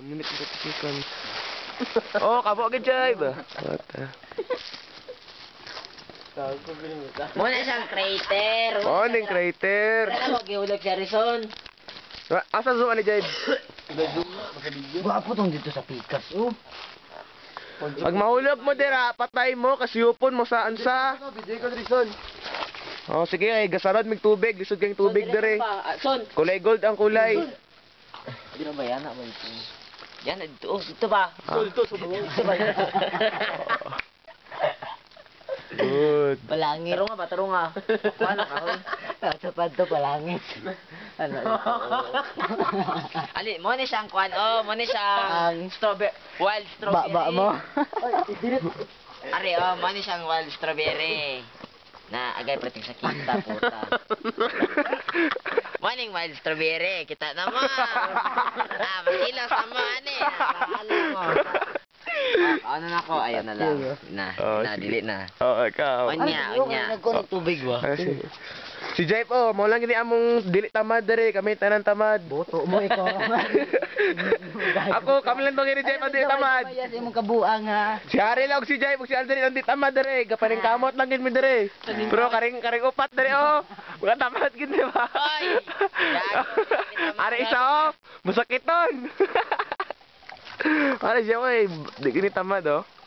minute and 30 seconds. Oh, kabo agad Jay ba? Muna siyang crater. Oh, ning crater. Ano mo, giulog si Harrison. Asa zoom ni Jay? Gwapo tong dito sa Pikas, oh. Pag mahulog mo dira, patay mo, kasiyupon mo saan sa. Oh, sige ay gasarad mig tubig, lisod kang tubig dire. Son. Kulay gold ang kulay. Di na ba yan? Yan, dito. Oh, dito ba? Dito ba? Good. Palangi. Taro nga ba? Taro nga. Ano ka? Sapad to, palangi. Ano? Ali, mo ni siyang kwan. Oh, mo ni siyang strawberry. Wild strawberry. Ba mo? Ari, oh, mo ni siyang wild strawberry. Na agay prating sa kita, puta. Morning wild strawberry, kita na mo. Masilaw sa mo, ani. Alam mo. Ano na ako? Ayun na lang. Dili na. Oh, ikaw. Onya. Nagkuha ng tubig ba? Si Jay po, mo lang gini among dili tamad dere, kami tanan tamad. Boto mo ikaw. Ako, kami lang bang ni Jay pa dili tamad. Mayas imong kabuang ha. Si Ari lang si Jay, si Aldrin ang di tamad dere, gapaning kamot lang gid mi dere. Pero karing upat dere oh. Wala tamad gid di ba? Oy! Ari isa oh, musakiton. Ari siya oy, di gini tamad oh.